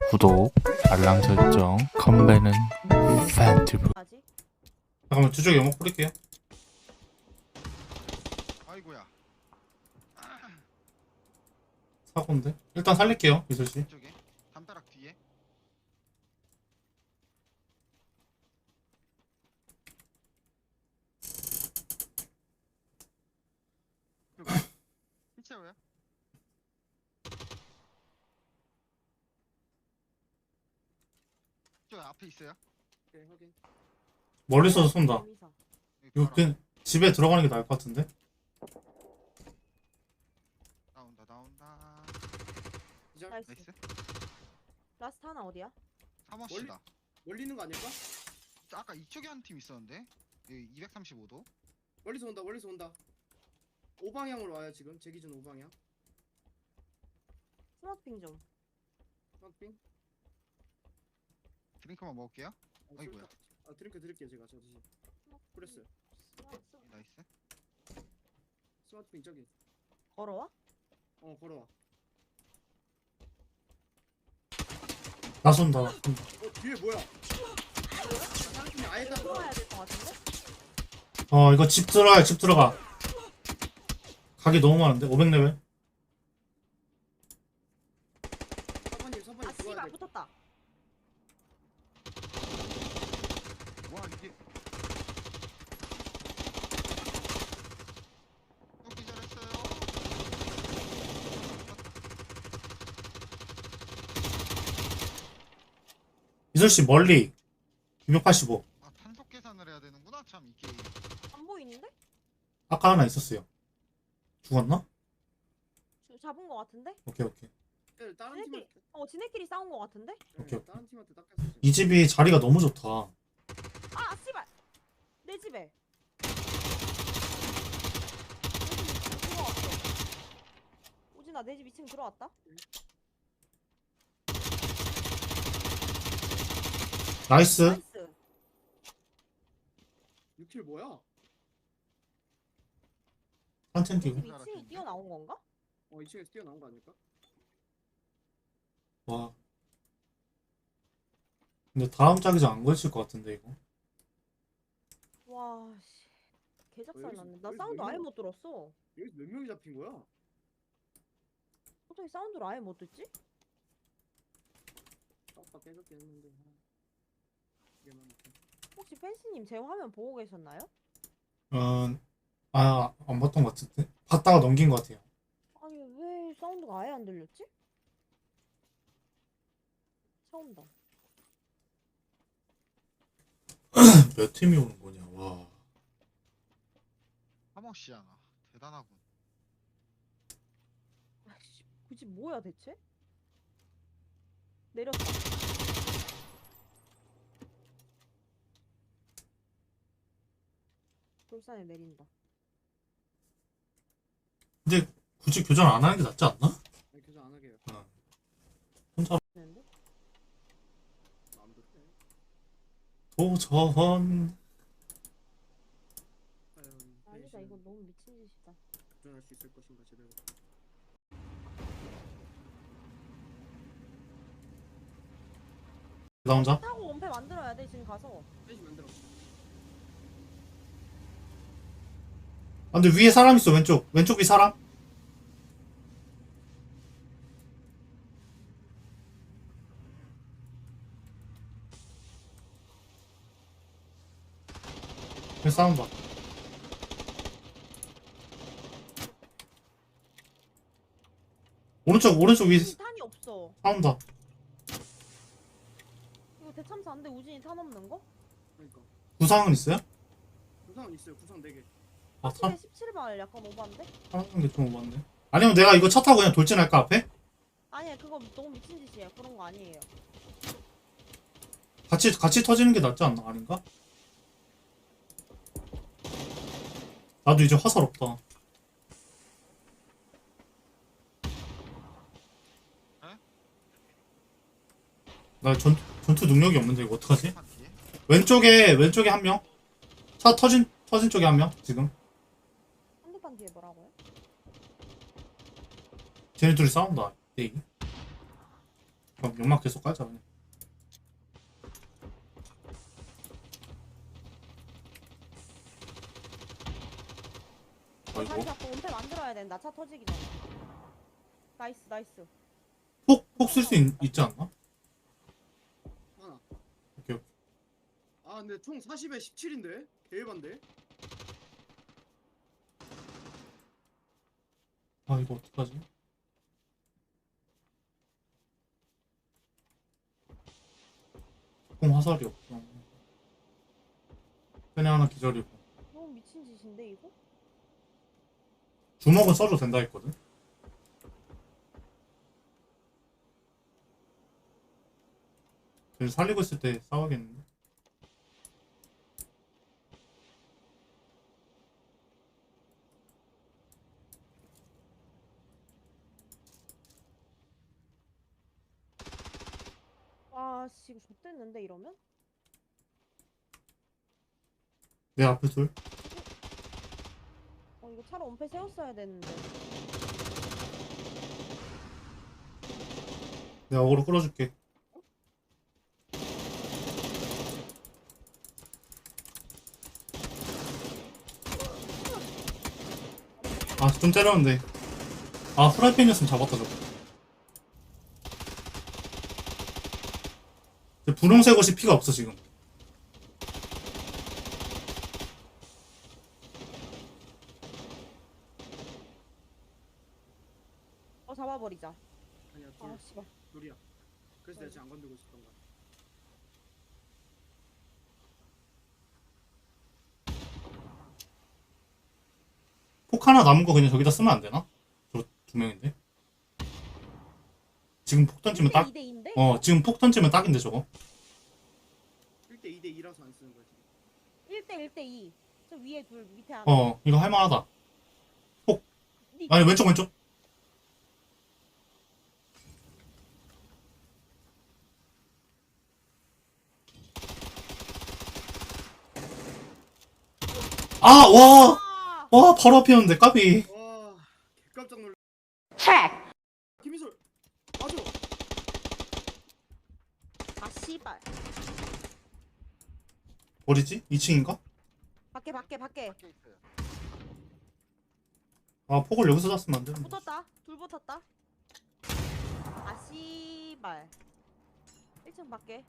구독, 알람 설정, 컴배는 팬티브. 아직? 잠깐만 두 쪽에 연막 뿌릴게요. 아이고야. 사고인데 일단 살릴게요 이슬씨. 이쪽에 담벼락 뒤에. 힘채워요? 저 앞에 있어요. 네, 확인. 멀리서 쏜다. 재미사. 여기 이거 바로 그냥 집에 들어가는 게 나을 것 같은데. 나온다. 기절. 나이스. 나이스. 라스트 하나 어디야? 3호씨다. 멀리 있는 거 아닐까? 아까 이쪽에 한 팀 있었는데. 여기 235도. 멀리서 온다. 5방향으로 와요 지금. 제 기준 5방향. 스마트핑 좀. 핑. 드링크만 먹을게요. 아이고야. 드링크 드릴게요 제가. 저 대신. 프레스. 나이스. 스마트핑 저기. 걸어와? 걸어와. 나 쏜다. 뒤에 뭐야? 다른 팀이 아예 다 들어와야 될 것 같은데? 이거 집 들어가요. 집 들어가. 각이 너무 많은데 500레벨. 서버님 아 들어와야 씨발 돼. 붙었다. 와 이게. 또 기절했어요. 이슬씨 멀리 285. 아 탄속 계산을 해야 되는구나 참 이 게임. 안 보이는데? 아까 하나 있었어요. 죽었나? 잡은 것 같은데? 오케이. 다른 지네끼리 팀한테. 지네끼리 싸운 것 같은데? 오케이. 다른 팀한테 닦였어. 지금. 이 집이 자리가 너무 좋다. 아 씨발! 내 집에. 들어왔어. 오진아 내 집 2층 들어왔다? 나이스. 나이스. 6킬 뭐야? 한템 내 집 끼고. 2층이 뛰어나온 건가? 2층에서 뛰어나온 거 아닐까? 와. 근데 다음 짝이자 안 걸칠 것 같은데 이거. 와 씨. 개작살 여기서- 났네. 나 여기서 사운드 몇 아예 명? 못 들었어. 여기서 몇 명이 잡힌 거야? 어떻게 사운드를 아예 못 듣지? 빡빡 깨졌게 했는데. 이게 많네. 혹시 펜스님 제 화면 보고 계셨나요? 안 봤던 것 같은데. 봤다가 넘긴 것 같아요. 아니 왜 사운드가 아예 안 들렸지? 처음다. 몇 팀이 오는 거냐. 와. 3호씨야 나. 대단하군. 아이씨 굳이 뭐야 대체? 내렸다. 돌산에 내린다. 근데 굳이 교전 안 하는 게 낫지 않나? 아니 교전 안 하게요. 혼자 되는데? 마음대로 해. 도전. 아니다 이거 너무 미친 짓이다. 도전할 수 있을 것인가 제대로. 나 혼자? 타고 원패 만들어야 돼 지금 가서. 빼지 만들어. 근데 위에 사람 있어. 왼쪽 위 사람. 그 싸운다. 오른쪽 위 탄이 없어. 싸운다. 이거 대참사 안돼 우진이 탄 없는 거? 그러니까. 구상은 있어요? 구상은 있어요. 구상 4개. 아, 17발 약간 오반데? 타는 게 좀 오봤네. 아니면 내가 이거 차 타고 그냥 돌진할까 앞에? 아니야 그거 너무 미친 짓이야. 그런 거 아니에요. 같이 터지는 게 낫지 않나? 아닌가? 나도 이제 화살 없다. 나 전투 능력이 없는데 이거 어떡하지? 뒤에. 왼쪽에 한 명. 차 터진 쪽에 한 명. 지금. 한대판 뒤에 뭐라고요? 쟤네 둘이 싸운다. 네. 그럼 연막 계속 깔자 그냥. 다시 아이고. 자꾸 은폐 만들어야 된다. 차 터지기 전에. 나이스 나이스. 폭 쓸 수 있지 않나? 하나. 오케이 오케이. 아 근데 총 40에 17인데? 개일반데? 아 이거 어떡하지? 공 화살이 없어. 끈에 하나 기절이고. 너무 미친 짓인데 이거? 주먹은 써도 된다 했거든. 쟤를 살리고 있을 때 싸워야겠는데. 와씨 이거 좆됐는데 이러면? 내 앞에 둘. 이거 차로 은폐 세웠어야 되는데. 내가 어그로 끌어줄게. 아, 좀 때렸는데. 아, 후라이팬이었으면 잡았다, 저거. 근데 분홍색 옷이 피가 없어, 지금. 잡아버리자. 아니야 아 씨발. 둘이야. 그래서 내가 지금 안 건들고 있었던 거야. 폭 하나 남은 거 그냥 저기다 쓰면 안 되나? 저 두 명인데. 지금 폭 던지면 딱, 2대2인데? 지금 폭 던지면 딱인데, 저거. 1대 2대 2라서 안 쓰는 거지. 1대 1대2. 저 위에 둘 밑에 하나. 이거 할만하다. 니- 아니, 왼쪽. 아, 와! 아! 와, 바로 앞이었는데, 까비. 와 깜짝 놀라. 김희솔 맞아. 아 씨발. 어디지? 2층인가? 밖에. 밖에 있어요. 아, 폭을 여기서 쐈으면 안 되는데. 붙었다. 둘 붙었다. 아 씨발. 1층 밖에.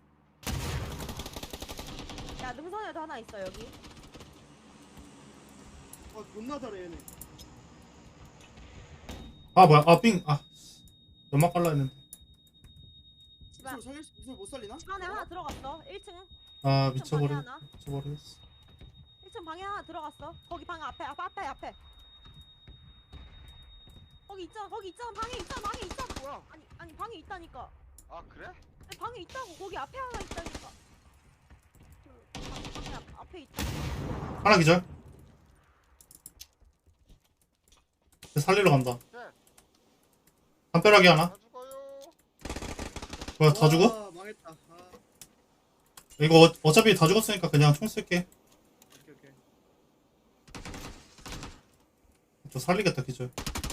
야 능선에도 하나 있어 여기. 아 존나 잘해 얘네. 아, 뭐야. 아, 삥. 아, 연막 깔라 했는데. 씨발. 희솔 살릴 수 희솔 못 살리나? 집 안에 하나 들어갔어. 1층. 아, 1층 방에 미쳐버리겠어. 하나. 1층 방에 하나 들어갔어. 거기 방 앞에. 거기 있잖아. 방에 있잖아. 뭐야? 아니 방에 있다니까. 아 그래? 아니, 방에 있다고. 거기 앞에 하나 있다니까. 방에 앞에 있다. 하나 기절. 살리러 간다. 네. 담벼락이 하나. 다 죽어요. 뭐야, 다 죽어? 와, 망했다. 아 이거 어차피 다 죽었으니까 그냥 총 쓸게. 오케이. 저 살리겠다, 기절.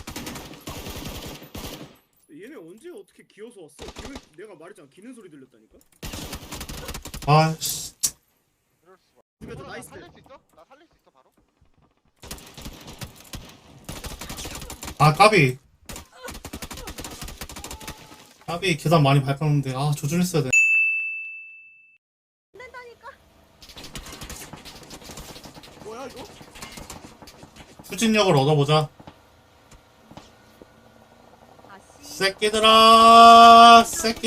얘네 언제 어떻게 기어서 왔어? 내가 말했잖아. 기는 소리 들렸다니까. 아, 씨. 이럴 수가. 죽여줘. 나 나이스. 살릴 수 있어? 나 살릴 수 있어 바로? 아, 까비. 까비, 계단 많이 밟았는데. 아, 조준했어야 돼. 안 된다니까. 뭐야 이거? 추진력을 얻어보자. 아씨. 새끼들아!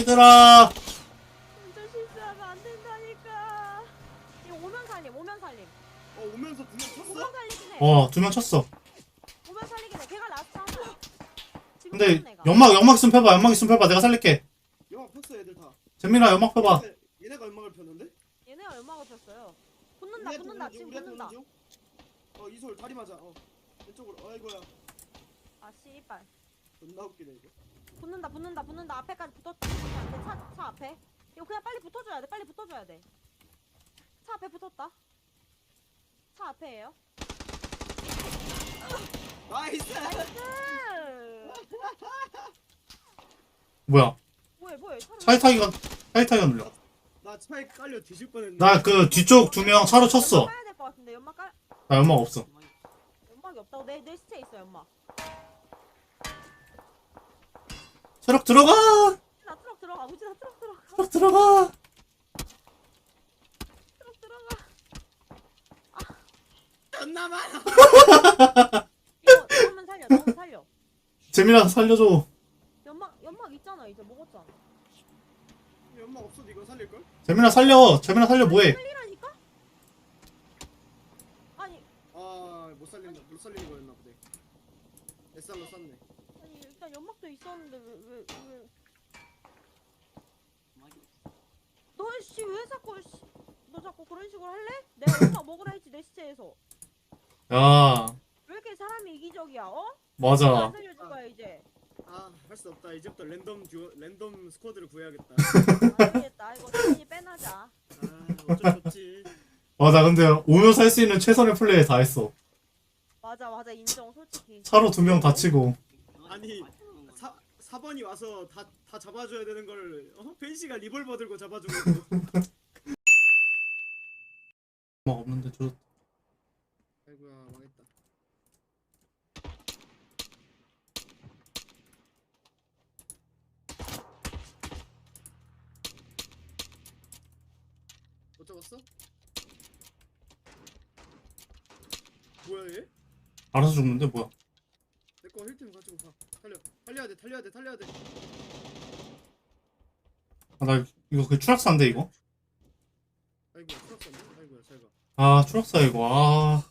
운전 실수하면 안 된다니까. 이거 오면 살림. 오면서 두명 쳤어? 오면 살리긴 해. 2명 쳤어. 오면 살리긴 해. 걔가 라스트 하나. 지금 근데, 쳤는 애가. 연막 있으면 펴봐. 내가 살릴게. 영화 폈어 얘들 다. 재민아, 연막 펴봐. 얘네가 연막을 폈는데? 얘네가 연막을 폈어요. 붙는다. 지금 우리한테 붙는다. 오는 중? 이솔 다리 맞아. 왼쪽으로. 아이고야. 아 씨발. 존나 웃기네 이거. 붙는다. 앞에까지 붙었지. 차 앞에. 이거 그냥 빨리 붙어줘야 돼. 차 앞에 붙었다. 차 앞에예요. 나이스. 나이스. 뭐야? 뭐해 차를 차에 타기가 눌려. 나 차에 깔려 뒤질 뻔했네. 나 그 뒤쪽 2명 차로 쳤어. 까야 될 것 같은데 연막 깔 나 연막 없어. 연막이 없다고 내 시체 있어 연막. 트럭 들어가! 우진아 트럭 들어가 우진아 트럭 들어가 트럭 들어가! 트럭 들어가. 존나 많아. 이거 넣으면 살려 넣으면 살려. 재민아 살려줘. 연막 있잖아 이제 먹었잖아. 연막 없어도 이거 살릴 걸? 재민아 살려. 재민아 살려 뭐해? 살리라니까? 아니 못 살리는 거였나 보네. SR로 쐈네. 아니 일단 연막도 있었는데 왜 너씨 왜 자꾸 너 자꾸 그런 식으로 할래? 내가 연막 먹으라 했지 내 시체에서. 야, 왜 이렇게 사람이 이기적이야 어? 안 맞아. 살려줄 거야 이제. 할 수 없다. 이제부터 랜덤 스쿼드를 구해야겠다. 안 되겠다 이거 당연히 빼나자. 어쩔 수 없지. 맞아. 근데 오면서 할 수 있는 최선의 플레이 다 했어. 맞아 인정 솔직히. 차로 2명 다치고. 아니 4번이 와서 다 잡아줘야 되는 걸 벤시가 리볼버 들고 잡아주고 있고. 연막 없는데 저 아이고야 망했다. 못 잡았어? 뭐야 얘? 알아서 죽는데 뭐야? 내거 힐템 가지고 가. 달려야 돼. 아, 나 이거 그 추락사인데 이거? 아이고야 추락사네. 아이고야 잘 가. 아 추락사 이거. 아